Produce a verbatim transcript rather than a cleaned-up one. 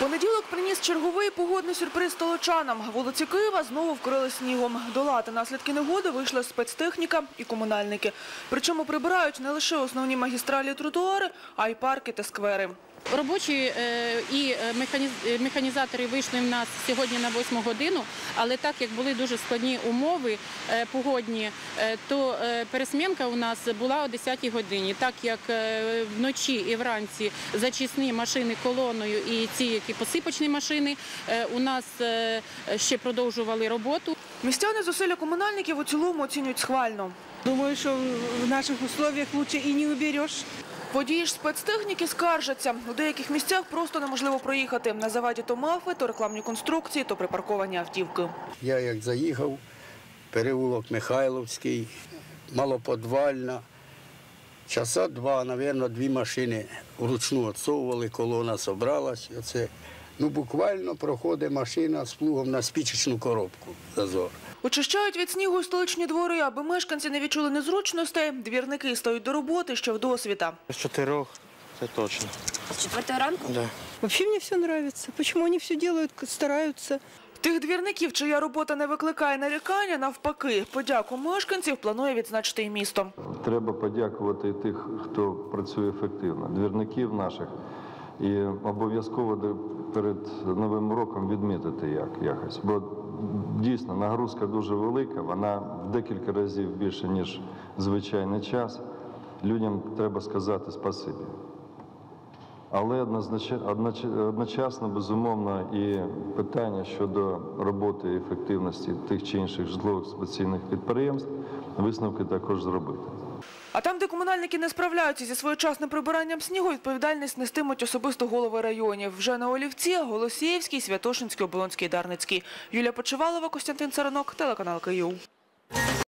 Понеділок приніс черговий погодний сюрприз столичанам. Вулиці Києва знову вкрили снігом. Долати наслідки негоди вийшла спецтехніка і комунальники. Причому прибирають не лише основні магістралі і тротуари, а й парки та сквери. Робочі і механізатори вийшли в нас сьогодні на восьму годину, але так як були дуже складні умови погодні, то пересмінка у нас була о десятій годині. Так як вночі і вранці зачисні машини колоною і ці, які посипочні машини, у нас ще продовжували роботу. Містяни зусилля комунальників у цілому оцінюють схвально. Думаю, що в наших умовах краще і не убереш. Водії ж спецтехніки скаржаться. У деяких місцях просто неможливо проїхати. На заваді то мафи, то рекламні конструкції, то припарковані автівки. Я як заїхав, переулок Михайловський, малоподвальна, часа два, мабуть, дві машини вручну відсовували, колона зібралась. Оце, ну, буквально проходить машина з плугом на спічечну коробку зазор. Очищають від снігу й столичні двори, аби мешканці не відчули незручностей. Двірники стають до роботи ще вдосвіта. З чотирьох, це точно. З четвертої ранку? Да. Взагалі мені все подобається. Чому вони все роблять, стараються? Тих двірників, чия робота не викликає нарікання, навпаки. Подяку мешканців планує відзначити і місто. Треба подякувати тих, хто працює ефективно, двірників наших. І обов'язково перед Новим роком відмітити як, якось. Бо дійсно нагрузка дуже велика, вона в декілька разів більше, ніж звичайний час. Людям треба сказати спасибі. Але одночасно, безумовно, і питання щодо роботи і ефективності тих чи інших житлово-експлуатаційних підприємств, висновки також зробити. А там, де комунальники не справляються зі своєчасним прибиранням снігу, відповідальність нестимуть особисто голови районів. Вже на Олівці, Голосіївський, Святошинський, Оболонський, Дарницький. Юлія Почивалова, Костянтин Царанок, телеканал Київ.